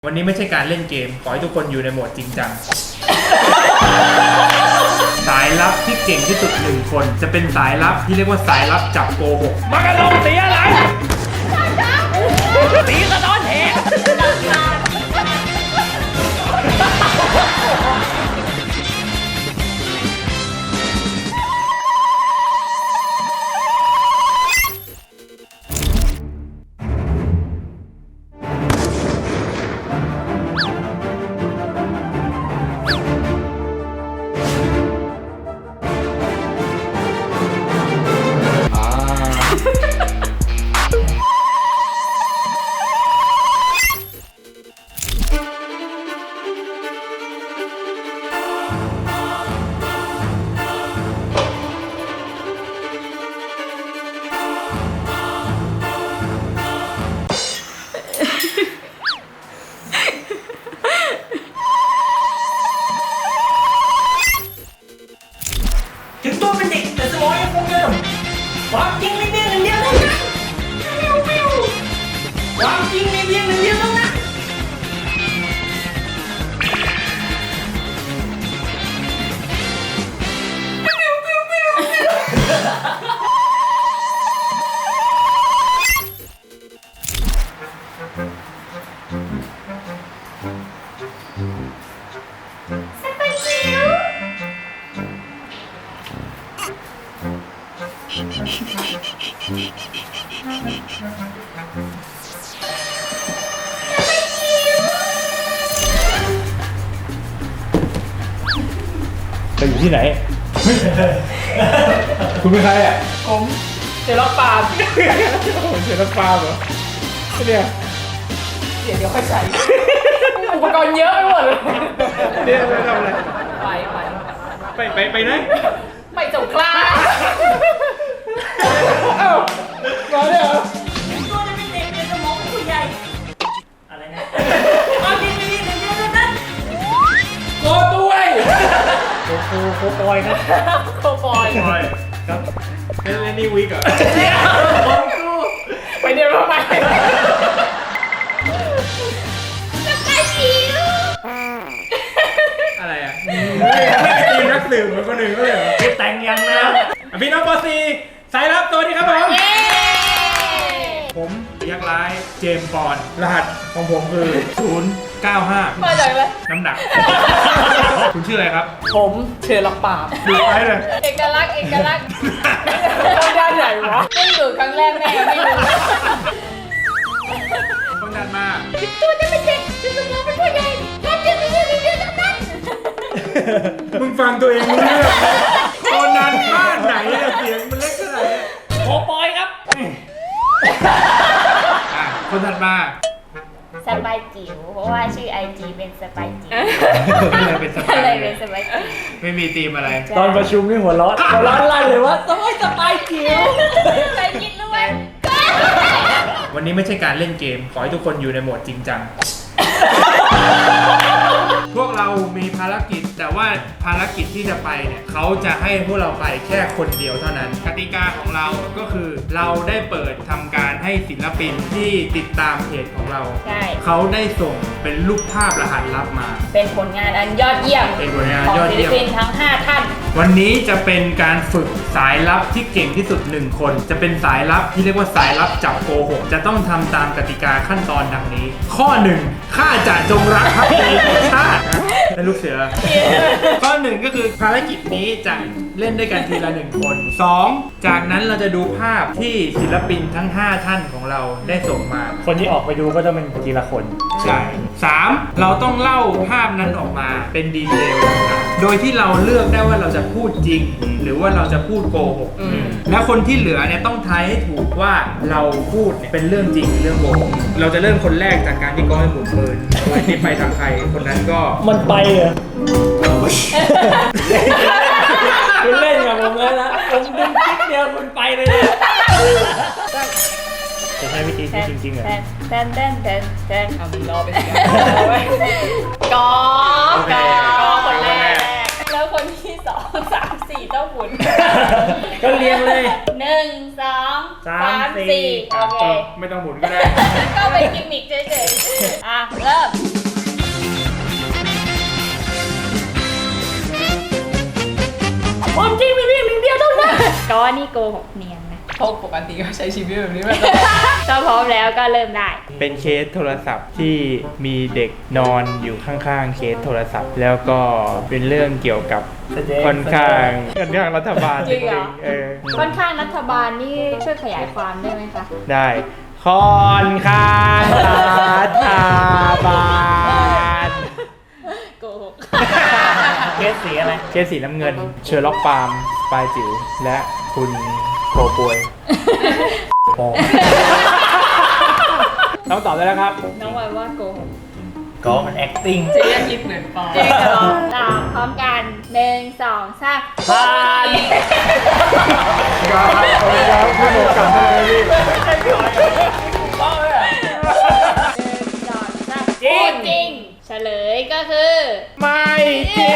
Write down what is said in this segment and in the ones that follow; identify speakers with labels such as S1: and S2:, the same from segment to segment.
S1: วันนี้ไม่ใช่การเล่นเกมขอให้ทุกคนอยู่ในโหมดจริงจัง สายลับที่เก่งที่สุด1 คนจะเป็นสายลับที่เรียกว่าสายลับจับโกหกมากระลงสีอะไรสีสะท้อนแหง
S2: ถึงตัวเป็นเด็กแต่สมองยังคงเดิมความจริงมีเพียงหนึ่งเดียวเท่านั้นความจริงมีเพียงหนึ่งเดียวเท่านั้น
S1: จะอยู่ที่ไหน คุณเป็นใครอ่ะ
S2: ผมเจอล็อกปาล์ม
S1: ผมเสียน้ำปลาเหรอเนี่ย
S2: เดี๋ยวค่อยใช้อุปกรณ์เยอะไปหมดเลย
S1: เนี่ยไปทำอะไร ไปไหน
S2: ไปสงขลา
S1: เอ้ามาเนี่ยเหรอ
S2: ตัวจะเป็นเด็กแต่สมองเป็นผู้ใหญ่อะไรนะความจริงมีเพียงหนึ่งเดียวเท่านั้น
S1: โกด้วยโกบอยครับ
S2: โคบอย
S1: บอยครับเล่นนี่วิกเหรอ
S2: ไปเดี๋ยวทำไม
S1: อะไรอ่ะไม่ได้ทีมนักสืบเหมือนคนอื่นก็เลยเหรอพูดแต่งยังนะพี่น้องปอซีสายลับตัวนี้ครับผมผมยักษ์ร้ายเจมส์บอนด์รหัสของผมคือ 095
S2: มาจากอะไร
S1: น้ำหนัก คุณชื่ออะไรครับ
S2: ผมเชิญล็อกปาล์ม
S1: ดูไปเลย
S2: เอกลักษณ์ต้องด้านไหนวะเพิ่งดูครั้งแรกแม่ไม่รู้
S1: ต้องดันมาก
S2: ตัวจะเป็นเด็กจะสมองเป็นผู้ใหญ่ความจริงมีเพียงหนึ่งเดียวเท่านั้น
S1: มึงฟังตัวเองรู้เรื่องตอนนั้นบ้านไหนอะเสียงมันเล็กขนาดนี้
S2: โคบอยครับ
S1: คนถัดมา
S3: สบายจิ๋วเพราะว่าชื่อ IG เป็นสบายจิ๋ว
S1: ก็เลยเป็นสไต
S3: ก็เลย
S1: ล์
S3: เป็นสบายจิ๋ว
S1: ไม่มีธีมอะไร
S4: ตอนประชุมนี่หัวร้อนลั่นเลยว่าสบายจิ๋ว
S3: เคยคิดรู้ไหม
S1: วันนี้ไม่ใช่การเล่นเกมขอให้ทุกคนอยู่ในโหมดจริงจัง พวกเรามีภารกิจแต่ว่าภารกิจที่จะไปเนี่ยเขาจะให้พวกเราไปแค่คนเดียวเท่านั้นกติกาของเราก็คือเราได้เปิดทำการให้ศิลปินที่ติดตามเพจของเรา
S3: ใช่
S1: เขาได้ส่งเป็นรูปภาพรหัสลับมา
S3: เป็นผลงานอันยอดเยี่ยม
S1: เป็นผลงาน
S3: ของ
S1: ยอด
S3: ศิล
S1: เยี่ยม
S3: ปินทั้ง 5 ท่าน
S1: วันนี้จะเป็นการฝึกสายลับที่เก่งที่สุด1 คน จะเป็นสายลับที่เรียกว่าสายลับจับโกหกจะต้องทำตามกติกาขั้นตอนดังนี้ ข้อ 1ข้าจะจงรักภักดีต่อชาติเป็นลูกเสือ ข้อ 1ก็คือภารกิจนี้จะเล่นด้วยกันทีละ1 คน 2จากนั้นเราจะดูภาพที่ศิลปินทั้ง 5 ท่านของเราได้ส่งมา
S4: คนที่ออกไปดูก็จะเป็นทีละคน
S1: ใช่ 3เราต้องเล่าภาพนั้นออกมาเป็นดีเทลต่างๆโดยที่เราเลือกได้ว่าเราจะพูดจริง หรือว่าเราจะพูดโกหก และคนที่เหลือเนี่ยต้องทายให้ถูกว่าเราพูดเนี่ยเป็นเรื่องจริงหรือเรื่องโกหก เราจะเริ่มคนแรกจากการที่ก้อยหมุนปืนโดยที่ไปทางใครคนนั้นก็
S4: มันไปเหรอคุณเล่นกับผมเลยนะผมดึงคลิกเดียวคุณไปเลยนะจะใช้วิธีนี้จริงๆเหรอ
S3: แทน
S2: เอามีรอไปสิ
S3: กอ
S1: โอเค
S3: คนแรก แล้วคนที่ 2 3 4 ต้องหมุน
S4: ก็เรียงเลย
S3: 1 2
S4: 3
S3: 3 4 โอเค
S1: ไม่ต้องหมุนก็ได้
S3: ก็เป็นกิมมิคเฉยๆอ่ะ เริ่ม ความจริงมีเพียงหนึ่งเดียวเท่านั้นก็นี่โกหกเนียนนะ
S2: เพราะปกติก็ใช้ชีวิตแบบนี้มาตลอด
S3: ก็พร้อมแล้วก็เริ่มได้
S1: เป็นเคสโทรศัพท์ที่มีเด็กนอนอยู่ข้างๆเคสโทรศัพท์ แล้วก็เป็นเรื่องเกี่ยวกับค่อนข้างรัฐบาล
S3: จริงเหรอ
S1: เออ
S3: ค่อนข้างรัฐบาลนี่ช่วยขยายความได้ไหมคะ
S1: ได้ค่อนข้างรัฐบาล
S3: โกหก
S4: เคสสีอะไร
S1: เคสสีน้ำเงิน เชอร์ล็อกปาล์มปลายจิ๋วและคุณโคปวยต้องตอบได้แล้วครับ
S3: น้องวายว่าโกหก
S4: ก็มัน acting
S2: เจ๊คิดเหมือนปอ
S3: จริงเหรอตามพร้อมกัน1 2 3
S4: ผ่าน
S1: ครับครับพี่โมกลับมาเลยพี่
S3: จริงจริงเฉลยก็คือ
S1: ไม่จริง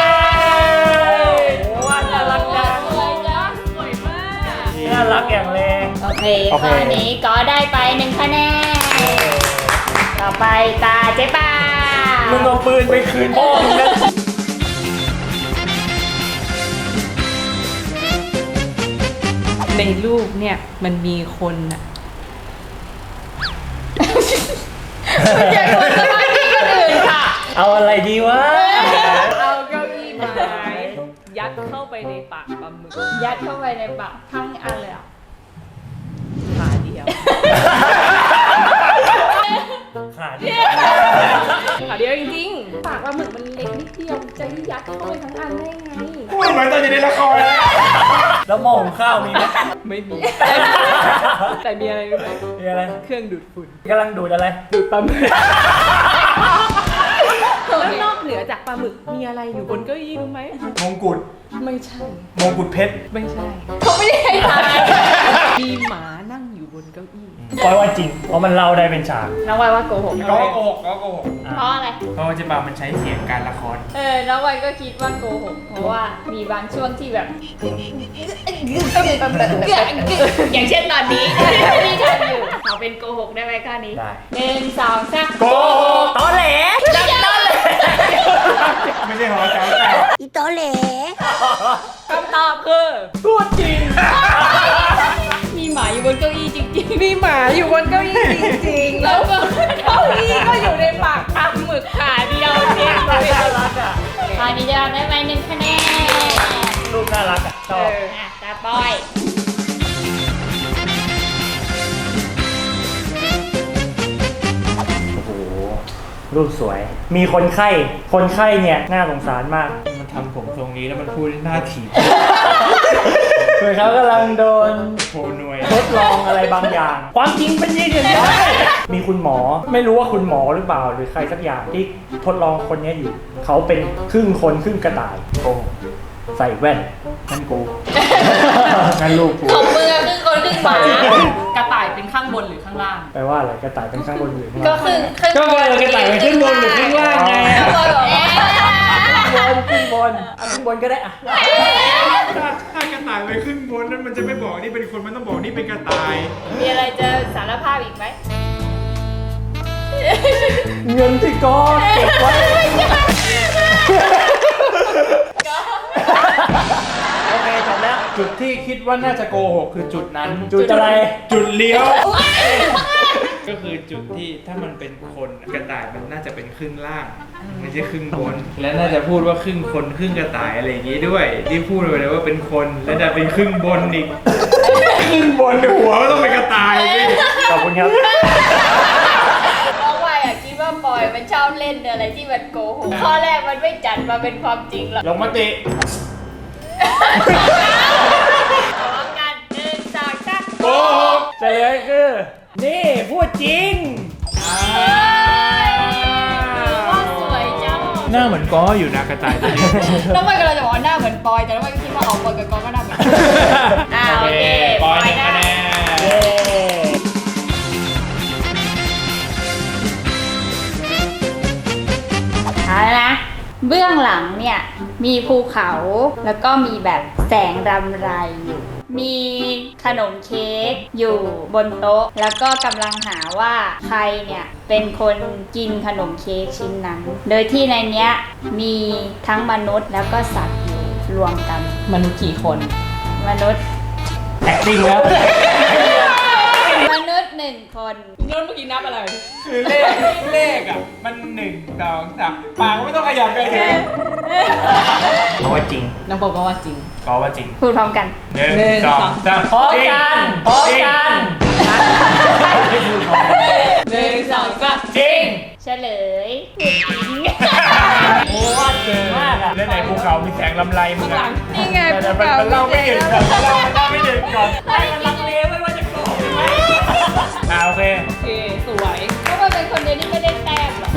S4: ว่าน่ารักจัง
S3: สวยจัง
S2: สวยมาก
S4: น่ารักอย่างแรง
S3: โอเคข้อนี้ก็ได้ไป1 คะแนนต่อไปตาเจ๊ปา
S4: มึงเอาปืนไปคืนพ่อมึงนะ
S2: ในรูปเนี่ยมันมีคนอะ
S3: อย่าโดนสมาธิคนอื่นค่ะ
S4: เอาอะไรดีวะ
S2: เอาเก้าอี้ไม้ยัดเข้าไปในปากปลาหมึก
S3: ยัดเข้าไปในปากทั้งอันเลยเหรอ
S2: ขาเดียว
S4: ขาดี
S2: ขาเดียวจริงๆปากปลาหมึกมันเล็กนิดเดียวจะยัดเข้าไปทั้งอันได้ไง
S1: พูดเหมือนตอนอยู่ในละครเลย
S4: แล้วหม้อหุงข้าวมีไหม
S2: ไม่มี แต่มีอะไรรู้ไหม
S4: มีอะไร
S2: เครื่องดูดฝุ่น
S4: กำลังดูดอะไร
S2: ดูดปลาหมึกแล้วนอกเหนือจากปลาหมึกมีอะไรอยู่บนเก้าอี้รู้ไหม
S1: มงกุฎ
S2: ไม่ใช่
S1: มงกุฎเพชร
S2: ไม่ใช่
S3: เขาไม่ได้ให้ทาย
S2: มีหมานั่งอยู่บนเก้าอี้
S4: ปล่อยว่าจริง เพราะมันเล่าได้เป็นฉาก
S3: น้องวายว่าโกหก
S1: ก็โกหกก็โกหก
S3: เพราะอะไร
S1: เพราะว่าเจ๊ปามันใช้เสียงการละคร
S3: น้องวายก็คิดว่าโกหก เพราะว่ามีบางช่วงที่แบบ อย่างเช่นตอนนี้ที่ทำอยู่เขาเป็นโกหกได้ไหมข้อนี้
S4: ได้
S3: 1 2 3
S1: โกหก
S4: ตอนแหล
S3: จับต้นเลย
S1: ไม่ใช่หอแถวแต่
S2: คำตอบคือ
S4: พูดจริง
S3: มีหมาอยู่บนเก้าอี้จริงๆ
S2: มีหมาอยู่บนเก้าอี้จริงๆ แล้วเก้าอี้ก็อยู่ในปากปลาหมึกขาเดียวจริง
S4: น่ารักอ่ะ
S3: ตอนนี้จะได้ไป1 คะแนน
S4: ลูกน่ารักอ่ะชอบ
S3: ตาปอย
S4: โอ้โห รูปสวย มีคนไข้ คนไข้เนี่ยน่าสงสารมาก
S1: มันทำผมทรงนี้แล้วมันพูดหน้าถีบ
S4: เหมือนเขากำลังโดน
S1: โชหน่วย
S4: ทดลองอะไรบางอย่าง ความจริงเป็นอย่างนี้มีคุณหมอ ไม่รู้ว่าคุณหมอหรือเปล่า หรือใครสักอย่างที่ทดลองคนนี้อยู่ เขาเป็นครึ่งคนครึ่งกระต่ายโอ้ใส่แว่นนั่นกู
S1: งั้นลูกกู
S3: ของมือครึ่งคนครึ่งหมาก
S2: ระต่ายเป็นข้างบนหรือข้างล่าง
S4: แปลว่าอะไรกระต่ายเป็นข้างบนหรือข้าง
S3: ก็
S4: ล่าง
S3: คือครึ่ง
S1: ก็ว่ากระต่ายมันขึ้นบนหรือขึ้นล่างไง
S3: ข้างบนเหรอ
S4: ขึ้นบนขึ้นบนก็ได้อะ
S1: ถ้ากระต่ายไปขึ้นบนนั้นมันจะไม่บอกนี่เป็นคนมันต้องบอกนี่เป็นกระต่าย
S3: มีอะไรจะสารภาพอีกไหม
S4: เงินที่ก็เก็บไว้ โอเคจบแล้ว
S1: จุดที่คิดว่าน่าจะโกหกคือจุดนั้น
S4: จุดอะไร
S1: จุดเลี้ยว ก็คือจุดที่ถ้ามันเป็นคนกระต่ายมันน่าจะเป็นครึ่งล่างไม่ใช่ครึ่งบน และน่าจะพูดว่าครึ่งคนครึ่งกระต่ายอะไรอย่างงี้ด้วย ที่พูดไปเลยว่าเป็นคนและจะเป็นครึ่งบนอีก ครึ่งบนหัวก็ต้องเป็นกระต่ายสิ
S4: ขอบคุณครับ
S3: น้องวายคิดว่าปอยมันชอบเล่นอะไรที่มันโกหก ข้อแรกมันไม่จัดมาเป็นความจริงหรอก
S1: ลงมติ
S3: พร้อมกัน1 2 3
S1: โกหก
S4: เฉลยคือ นี่พูดจริง
S3: ว่าสวยจัง
S1: หน้าเหมือนก้ออยู่นะกระต่ายตัวนี้
S3: น้องวายกำลังจะบอกว่าหน้าเหมือนปอย แต่น้องวายก็คิดว่าออกปอยกับกองก็หน้าเหมือนกันโอเค
S1: ปอย1 คะแนน
S4: เย้
S3: เอาละนะ เบื้องหลังเนี่ย มีภูเขาแล้วก็มีแบบแสงรำไรอยู่ มมีขนมเค้กอยู่บนโต๊ะ แล้วก็กำลังหาว่าใครเนี่ยเป็นคนกินขนมเค้กชิ้นนั้น โดยที่ในเนี้ยมีทั้งมนุษย์แล้วก็สัตว์อยู่รวมกัน
S2: มนุษย์กี่คน
S3: มนุษย์
S4: acting แล้ว
S3: มนุษย์1 คน
S2: นนท์เมื่อกี้นับอะไร
S1: คือเลขอ่ะมัน1 2 3ปากไม่ต้องขยับเลยเลย
S4: เพราะว่าจริง
S2: น้องบอกว่าจริง
S1: ก็ว่าจริง
S3: พูดพร้อมกัน
S1: 1 2 3
S4: พร้อมกันพร้อมกัน
S2: 1 2 3
S1: จริง
S3: เฉลย
S4: โอ้ว่าเก่งมากอ่ะ
S1: แล้วไหนภูเขามีแสงลำไรมึงอ่ะ
S2: นี่ไง
S1: แต่มันเล่าไม่ถึงก่อนมันเล่าไม่ถึงก่อน
S4: ให้มันลังเลไม่ว่าจะโกงไหม
S1: โอเค
S2: โอเค สวย
S3: เพราะว่าเป็นคนเดียวที่ไม่ได้แต้มหรอก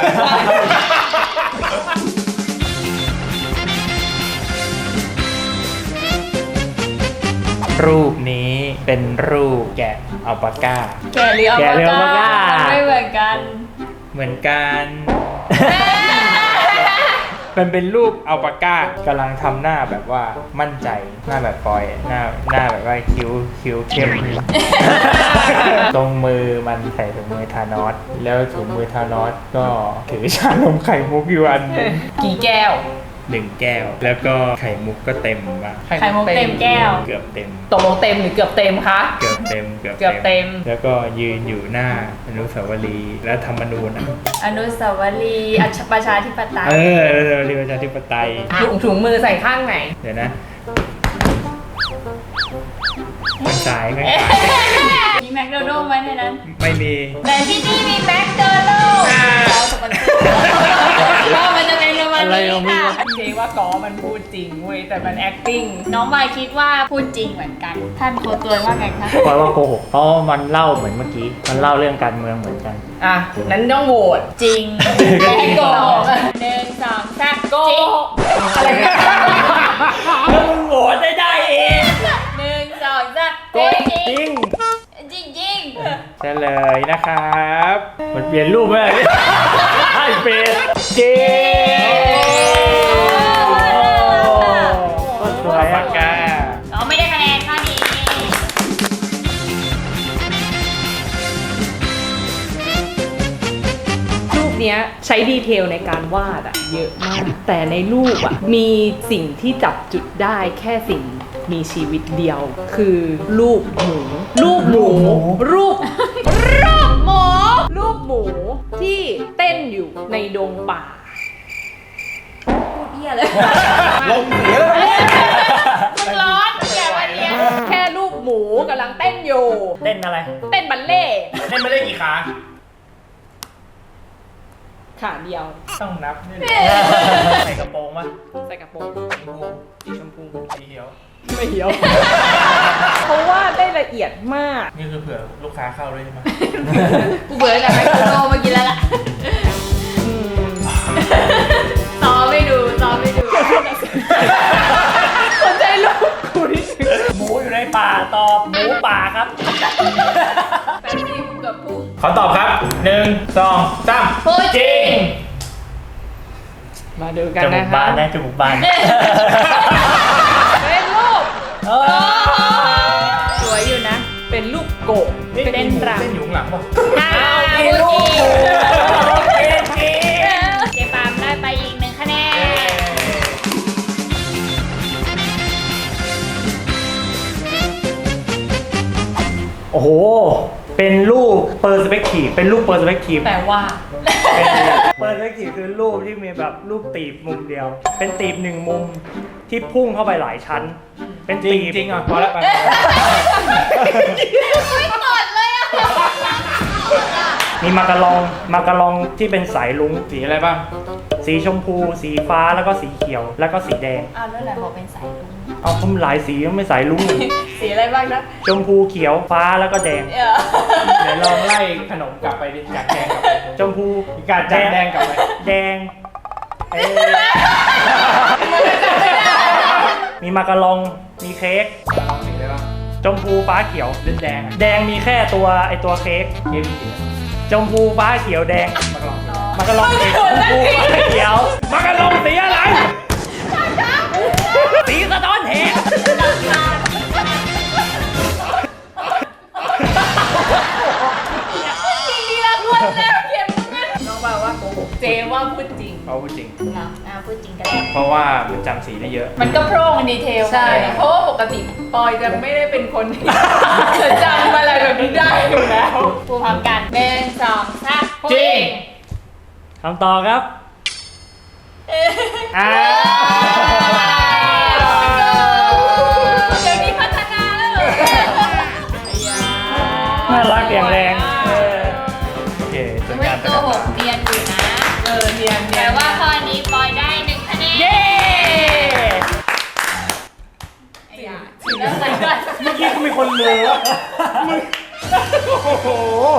S1: รูปนี้เป็นรูปแกะอัลปาก้า
S3: แกะหรือ
S4: แกเรียกว่าก้า
S3: ไม่เหมือนกัน
S1: เหมือนกันมันเป็นรูปอัลปาก้ากำลังทำหน้าแบบว่ามั่นใจหน้าแบบปอยหน้าแบบว่าคิ้วเข้ม ตรงมือมันใส่ถุงมือทานอสแล้วถุงมือทานอสก็ถือชานมไข่มุกอยู่อันหนึ่ง
S2: กี่แก้ว
S1: 1 แก้ว แล้วก็ไข่มุกก็เต็มอ่ะ
S3: ไข่มุกเต็มแก้ว
S1: เกือบเต็ม
S2: ตกลงเต็มหรือเกือบเต็มคะ
S1: เกือบเต็ม
S2: เกือบเต็ม
S1: แล้วก็ยืนอยู่หน้าอนุสาวรีย์และธรรมนูญอ่ะ
S3: อนุสาวรีย์ประชาธิปไตย
S1: อนุสาวรีย์ประชาธิปไตย
S2: ถุงมือใส่ข้างไหน
S1: เดี๋ยวนะข้างซ้ายข้างซ้าย
S3: มีแมคโดนัลด์ไหมในนั้น
S1: ไม่มี
S3: แต่ที่นี่มีแมคโดนัลด์เราสปอนเซอร์ก็มันจะเป็นประมาณนี้ค่ะ
S2: เจ๊ว่าก้อมันพูดจริงเว้ย แต่มัน acting
S3: น้องวายคิดว่าพูดจริงเหมือนกัน ท่านโคตัวว่าไงคะ
S4: ปอยว่าโกหกเพราะมันเล่าเหมือนเมื่อกี้ มันเล่าเรื่องการเมืองเหมือนกัน
S2: อ่ะ นั้นต้องโหวต
S3: จริง
S2: ไม่ให้โกหก
S3: 1 2 3
S2: โกหกอะไรนะ
S4: แล้วมึงโหวตได้เอง
S3: 1 2 3
S4: โกจริง
S3: จริงจริง
S1: เฉลยนะครับ
S4: มันเปลี่ยนรูปไหมให้เปลี่ยนจริงก็สวย
S1: ปา
S4: อ่ะ
S1: กกา
S3: เราไม่ได้คะแนนข้อนี้
S2: รูปเนี้ยใช้ดีเทลในการวาดอะเยอะมาก แต่ในรูปอะมีสิ่งที่จับจุดได้แค่สิ่งมีชีวิตเดียว คือรูปหมู รูปหมู รูปหมู รูปหมูที่เต้นอยู่ในดงป่า
S3: พูดเหี้ยเลย
S1: ลงเสีย
S3: มันร้อนแกวันเนี้ย
S2: แค่รูปหมูกำลังเต้นอยู่
S4: เต้นอะไร
S2: เต้นบัลเล่ต์
S1: เล่นไม่ได้กี่ขา
S2: ขาเดียว
S1: ต้องนับนี่ใส่กระโปรงปะ
S2: ใส่กระโปรง
S1: สีชมพูสีเขียว
S2: ไม่เหี่ยว เพราะว่าได้ละเอียดมาก
S1: นี่คือเผื่อลูกค้าเข้าด้วยใช่ไหม
S3: กูเบื่อแต่แมคโดนัลด์มากินแล้วล่ะซ้อมไม่ดูซ้อมไม่ดู
S2: สนใจลูกกูนี่
S4: หมูอยู่ในป่าตอบหมูป่าครับ
S3: แป๊บนึงกูกับพูด
S1: ขอตอบครับ 1 2 3
S3: พูดจริง
S2: มาดูกัน
S4: จมู
S2: นะ
S4: ก
S2: คะ
S4: บานนะจมูกบาน
S2: เป็นรูป
S4: เออ
S3: สวยอยู่นะ
S2: เป็นรูปโกะ
S1: นี่
S2: เป็นรัง
S1: เล่นอยู่ข้างหลังป่ะ
S3: พูดจริง
S4: โอเคจริง
S3: เจปามได้ไปอีก1 คะแนน
S4: โอ้โห เป็นรูปเปอร์สเปกทีฟเป็นรูปเปอร์สเปกทีฟ
S2: แต่ว่า
S4: เปอร์สเปกทีฟคือรูปที่มีแบบรูปตีบมุมเดียว เป็นตีบหนึ่งมุมที่พุ่งเข้าไปหลายชั้น เป็น
S1: จริ
S4: ตี
S1: ง
S4: บ
S1: จริงอ่ะพอแล้วไป
S3: ไม่กดเลยอ่ะ
S4: มีมากระลองที่เป็นสายลุ้ง
S1: สีอะไรบ้าง
S4: สีชมพู สีฟ้าแล้วก็สีเขียว แล้วก็สีแดง
S3: อ้าวแล้วไหนบอกเป็นสายลุง
S4: เอาผมหลายสีไม่สายลุ้งเลย
S3: สีอะไรบ้างนะ
S4: ชมพูเขียวฟ้าแล้วก็แดง
S1: เดี๋ยวลองไล่ขนมกลับไปดิจากแดงกลับไป
S4: ชมพู
S1: จากแดงกลับไป
S4: แดงมีมากระลองมีเค้ก
S1: สีอะไรบ้าง
S4: ชมพูฟ้าเขียว
S1: เล่นแดงอ่ะ
S4: แดงมีแค่ตัวเค้ก
S1: เค้กสี
S4: ชมพูฟ้าเขียวแดง
S1: มากรอง
S4: มากระลองสีชมพูฟ้าเขียวมากระลองสีอะไรสีสะท้อนแหง
S2: ว่าพูดจริง
S1: เขาพูดจริง
S3: เหรอพูดจริงก็ได้
S1: เพราะว่ามันจำสีได้เยอะ
S3: มันก็โพร่งดีเทล
S2: ใช่ เพราะว่าปกติปอยจะไม่ได้เป็นคนที่ จะจำอะไรแบบนี้ได้อยู่แล้ว
S3: พูดพร้อมกัน1 2 3
S1: จริง
S4: คำตอบครับ
S1: อ่า
S3: เดี๋ยวนี้พัฒนาแล้วเหรอ
S4: น่ารักอย่างแรง
S1: โอเคส่วน
S3: ไม่
S1: การ
S3: โกหกเนียนอยู่นะ
S2: เนียน
S3: แต่ว่าข้อนี้ปอยได้1 คะแนน
S4: เย้
S3: ไอ้ยาถึงแล้วใส่ก่อน
S4: เมื่อกี้ก็มีคนเหลือมึงโอ้โห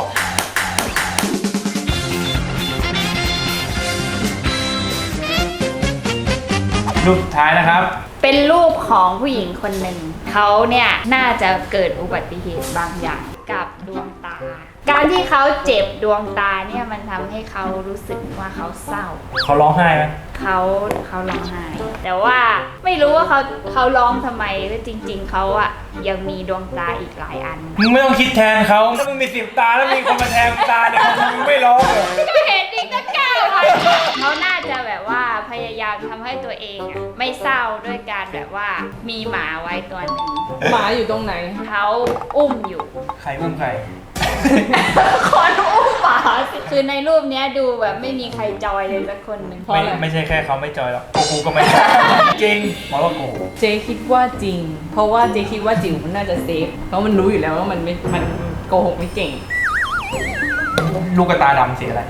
S1: รูปสุดท้ายนะครับ
S3: เป็นรูปของผู้หญิงคนหนึ่ง เขาเนี่ยน่าจะเกิดอุบัติเหตุบางอย่างกับดวงตา การที่เขาเจ็บดวงตาเนี่ยมันทำให้เขารู้สึกว่าเขาเศร้า
S4: เขาร้องไห้ไหม
S3: เขาร้องไห้แต่ว่าไม่รู้ว่าเขาร้องทำไมว่าจริง ๆเขาอะยังมีดวงตาอีกหลายอัน
S1: มึงไม่ต้องคิดแทนเขาถ้ามึงมี10 ตาแล้วมีคนมาแทนตาเนี่ยมึงไม่ร้องเลย
S3: ก็เห็นอีกตั้ง9 อันเขาน่าจะแบบว่าพยายามทำให้ตัวเองอะไม่เศร้าด้วยการแบบว่ามีหมาไว้ตัวหนึ่ง
S2: หมาอยู่ตรงไหน
S3: เขาอุ้มอยู่
S1: ใครอุ้มใคร
S3: คนอุ้มหมาสิคือในรูปเนี้ยดูแบบไม่มีใครจอยเลยสักคนหนึ่ง
S2: เพราะอะไร
S1: ไม่ใช่แค่เขาไม่จอยหรอกกูก็ไม่จอยจริงหมอว่าโกหก
S2: เจคิดว่าจริง เพราะว่าเจคิดว่าจิ๋วมันน่าจะเซฟ เพราะมันรู้อยู่แล้วว่ามันโกหกไม่เก่ง
S1: ลูกกระตาดำสีอะไร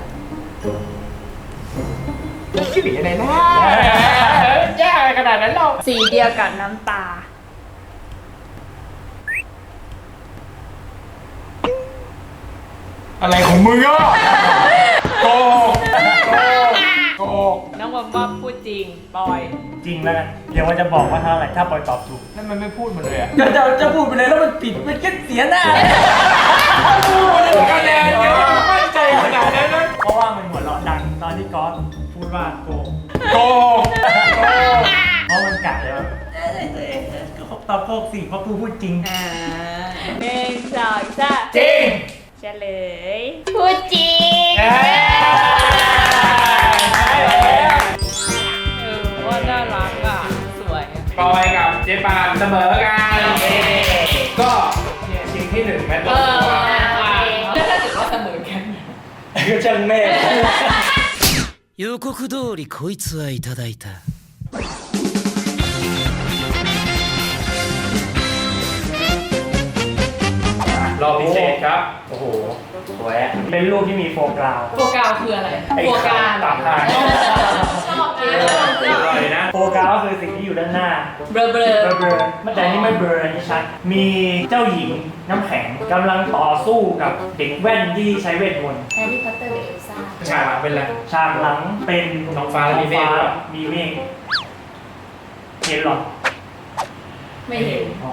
S1: สีอะไรนะแย่ขนาดนั้นหรอ
S3: สีเดียวกับน้ำตา
S1: อะไรของมึงอ่ะโกหกโกหก
S2: น้องบอมว่าพูดจริง ปอย
S4: จริงแล้วกันเดี๋ยวว่าจะบอกว่าเท่าไหร่ถ้าปอยตอบถูก
S1: นั่นมันไม่พูดมาเลยอ่ะ
S4: จะพูดไปเลยแล้วมันผิดมันก็เสียหน้า
S1: คะแนนเยอะมั่นใจขนาดนั้นเลย
S4: เพราะว่ามันหัวเราะดังตอนที่ก๊อฟพูดว่าโกง
S1: โกหกโกหก
S4: เพราะมันกัดเลยว่าตอบโกงสิเพราะกูพูดจริง
S2: อ่า
S3: 1 2 3
S1: จริง
S3: เฉลยพูดจริง
S1: เอ้ยได้แล้ว
S2: ว่าน่ารักอ่ะ สวยอะ
S1: ปอยกับเจ๊ปานเสมอกันก็เนี่ยชิงที่1แมตช์ตัว
S2: แล้วถ้าเกิดว่าเสมอกัน
S4: ก็ช่างแม่
S5: 予告通りこいつはいただいた。
S1: รอบพิเศษครับ
S4: โอ้โหสวยอะเป็นรูปที่มีโฟกราว
S2: โฟกาวคืออะไร
S4: ไอ้
S2: โฟกา
S4: ตามทาง
S2: ชอบกิน
S1: อร่อยนะ
S4: โฟกราวก็คือสิ่งที่อยู่ด้านหน้า
S2: เบลอเบลอ
S4: เบลอๆแต่อันนี่ไม่เบลออันนี้ชัด มีเจ้าหญิงน้ำแข็งกำลังต่อสู้กับเด็กแว่นที่ใช้เวทมนต์
S3: แฮร์รี่พอตเตอร์กับเอลซ่า
S1: ฉากเป็นไร
S4: ฉากหลังเป็น
S1: ท้องฟ้าและมีเมฆ
S4: ท้องฟ้ามีเมฆเห็นหรอ
S2: ไม่เห็น
S4: อ๋อ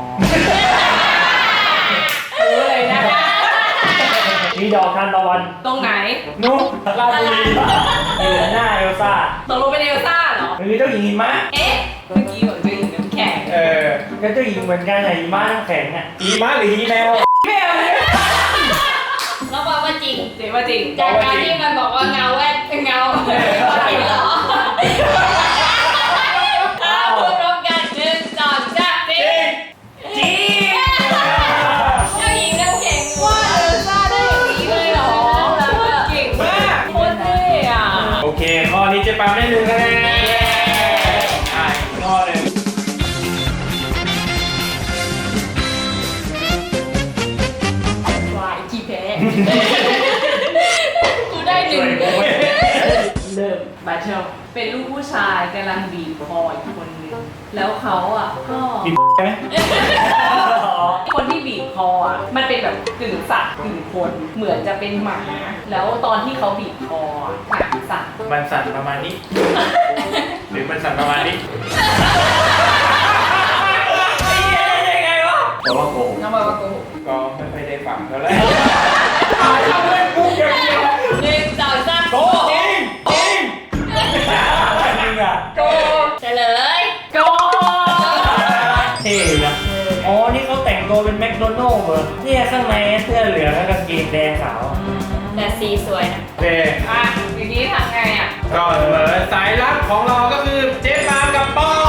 S2: รู้เลยนะ
S4: มีดอกทานตะวัน
S2: ตรงไหน
S4: นุ่มลาดบุรีอยู่หน้าเอลซ่า
S2: ตกลงเป็นเอลซ่าเหรอ
S4: คือเจ้าหญิงหิมะ
S2: เอ๊ะ เมื่อกี้บอกจะยิงน้ำแข็ง
S1: เออ
S4: ก็เจ้าหญิงเหมือนกันไงหิมะน้ำแข็งอ่ะ
S1: อีม้าหรืออีแมว
S3: แล้วบอกว่าจริง
S2: เจ๊ว่าจริง
S3: จากการที่มันบอกว่าเงาแว่นเงาเห็นเหรอพูดพร้อมกัน1 2 3จริง
S1: จริง
S3: เจ้าหญิงน้ำแข็งว่าเอลซ่าได้อย่างนี้เลยเหรอ
S2: เก่งมากโคตรเท่อะ
S1: โอเค ข้อนี้เจ๊ปามได้1 คะแนนอ่ะอีกข้อหนึ่ง
S2: วายขี้แพ้ กูได้1 เริ่มบาเชลเป็นลูกผู้ชายกำลังบีบคออีกคนนึง แล้วเขาอ่ะก็
S4: มีไหม
S2: คนที่บีบคออ่ะมันเป็นแบบกึ่งสัตว์กึ่งคน เหมือนจะเป็นหมา แล้วตอนที่เขาบีบคออ่ะหางสั่น
S1: มันสั่นประมาณนี้ หรือมันสั่นประมาณนี้
S4: แต่ว่าโกง
S2: น้องบอกว่าโกหก
S1: ก็ไม่ค่อยได้ฟังเท่าไหร่ทำเล่นปุ๊บอย่างเดียว
S3: 1 2 3
S1: โกจริงจริง
S4: จริงอ่ะ
S1: โก
S3: เฉลย
S2: โก
S4: เท่นะอ๋อ นี่เขาแต่งตัวเป็นแมคโดนัลด์เหรอเนี่ยข้างในเสื้อเหลืองแล้วกางเกงแดงขาว
S3: แต่สีสวยนะ
S1: โอเค
S2: อ่ะอย่างนี้ทำไงอ่ะ
S1: ก็ก็เสมอสายลับของเราก็คือเจ๊ปากับป้อง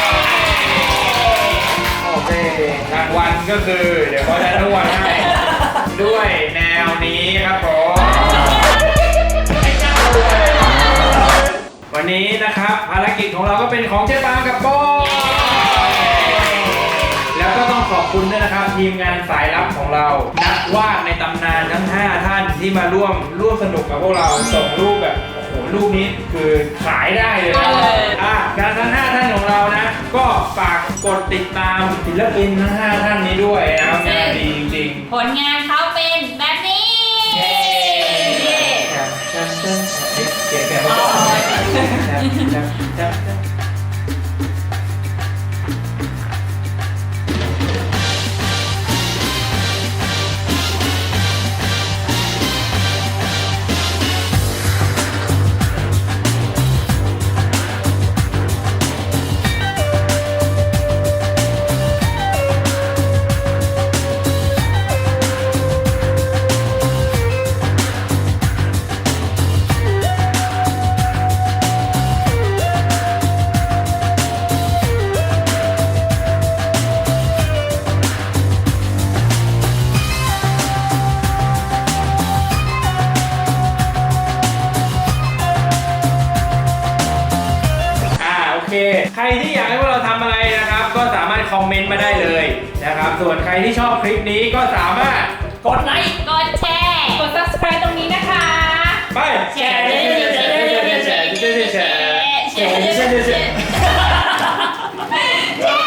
S1: โอเครางวัลก็คือเดี๋ยวเขาจะรางวัลให้ด้วยแนวนี้ครับผมวันนี้นะครับภารกิจของเราก็เป็นของเจ๊ปากับป้องแล้วก็ต้องขอบคุณด้วยนะครับทีมงานสายลับของเรานักวาดในตำนานทั้ง 5 ท่านที่มาร่วมสนุกกับพวกเราส่งรูปแบบโอ้โหรูปนี้คือขายได้เลยนะการทั้ง 5 ท่านของเรานะ ก็ฝากกดติดตามศิลปินทั้ง 5 ท่านนี้ด้วยนะครับงานดีจริงๆ
S3: ผลงานเขาเป็นแบบนี้
S1: เสียงแบบว่าโอเคใครที่อยากให้พวกเราทำอะไรนะครับก็สามารถคอมเมนต์มาได้เลยนะครับส่วนใครที่ชอบคลิปนี้ก็สามารถกดไลค์
S3: กดแชร์
S2: กด subscribe ตรงนี้นะคะ
S1: ไปแชร์
S3: แชร์